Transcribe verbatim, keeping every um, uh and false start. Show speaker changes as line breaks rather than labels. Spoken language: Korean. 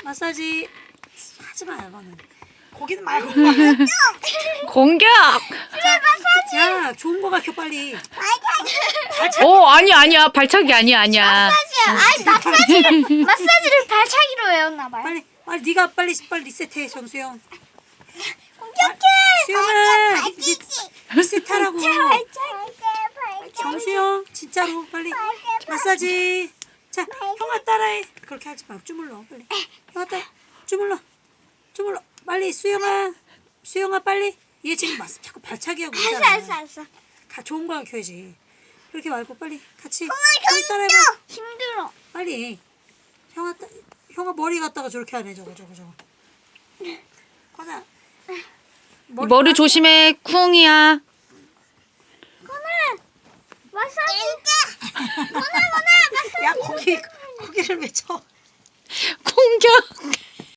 마사지 하지 마요, 너는. 거기는 말고.
공격.
야, 좋은 거 밝혀 빨리.
오 아니야 아니야 발차기 아니야 아니야.
아니 마사지를 마사지를 발차기로 외웠나 봐요.
빨리, 빨리 네가 빨리 빨리 리셋해, 정수영.
공격해.
수영아, 리셋, 리셋하라고.
발차기.
정수영, 진짜로 빨리 마사지. 자, 형아 따라해. 그렇게 하지 말고 주물러, 빨리. 형아 따라, 주물러, 주물러. 빨리 수영아, 수영아 빨리. 얘 지금 마사 자꾸 발차기 하고
알았어
있잖아.
알았어 알았어.
가 좋은 거 가르쳐야지. 그렇게 말고 빨리 같이.
형아
빨리 따라해봐.
힘들어.
빨리. 형아 따, 형아 머리 갖다가 저렇게 하네, 저거 저거 저거. 건아.
머리 조심해 쿵이야.
건아 마사지. 건아 건아 마사지.
야, 거기 거기를 왜 쳐?
공격.